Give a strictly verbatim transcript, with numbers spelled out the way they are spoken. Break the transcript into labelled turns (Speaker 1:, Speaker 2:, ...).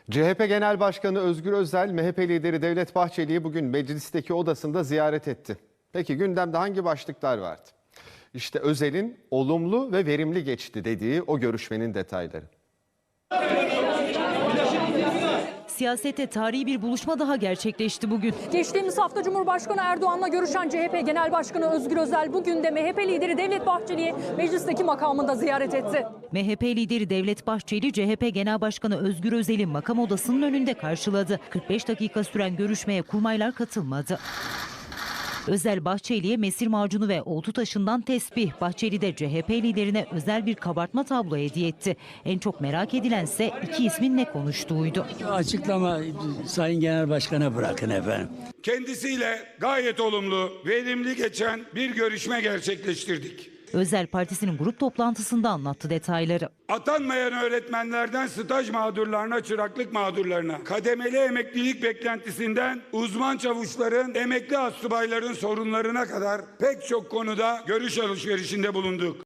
Speaker 1: C H P Genel Başkanı Özgür Özel, M H P lideri Devlet Bahçeli'yi bugün meclisteki odasında ziyaret etti. Peki gündemde hangi başlıklar vardı? İşte Özel'in olumlu ve verimli geçti dediği o görüşmenin detayları.
Speaker 2: Siyasette tarihi bir buluşma daha gerçekleşti bugün.
Speaker 3: Geçtiğimiz hafta Cumhurbaşkanı Erdoğan'la görüşen C H P Genel Başkanı Özgür Özel bugün de M H P lideri Devlet Bahçeli'yi meclisteki makamında ziyaret etti.
Speaker 2: M H P lideri Devlet Bahçeli, C H P Genel Başkanı Özgür Özel'i makam odasının önünde karşıladı. kırk beş dakika süren görüşmeye kurmaylar katılmadı. Özel Bahçeli'ye mesir macunu ve oltu taşından tesbih. Bahçeli de C H P liderine özel bir kabartma tablo hediye etti. En çok merak edilense iki ismin ne konuştuğuydu.
Speaker 4: Açıklama Sayın Genel Başkan'a bırakın efendim.
Speaker 5: Kendisiyle gayet olumlu, verimli geçen bir görüşme gerçekleştirdik.
Speaker 2: Özel partisinin grup toplantısında anlattı detayları.
Speaker 5: Atanmayan öğretmenlerden staj mağdurlarına, çıraklık mağdurlarına, kademeli emeklilik beklentisinden uzman çavuşların, emekli astsubayların sorunlarına kadar pek çok konuda görüş alışverişinde bulunduk.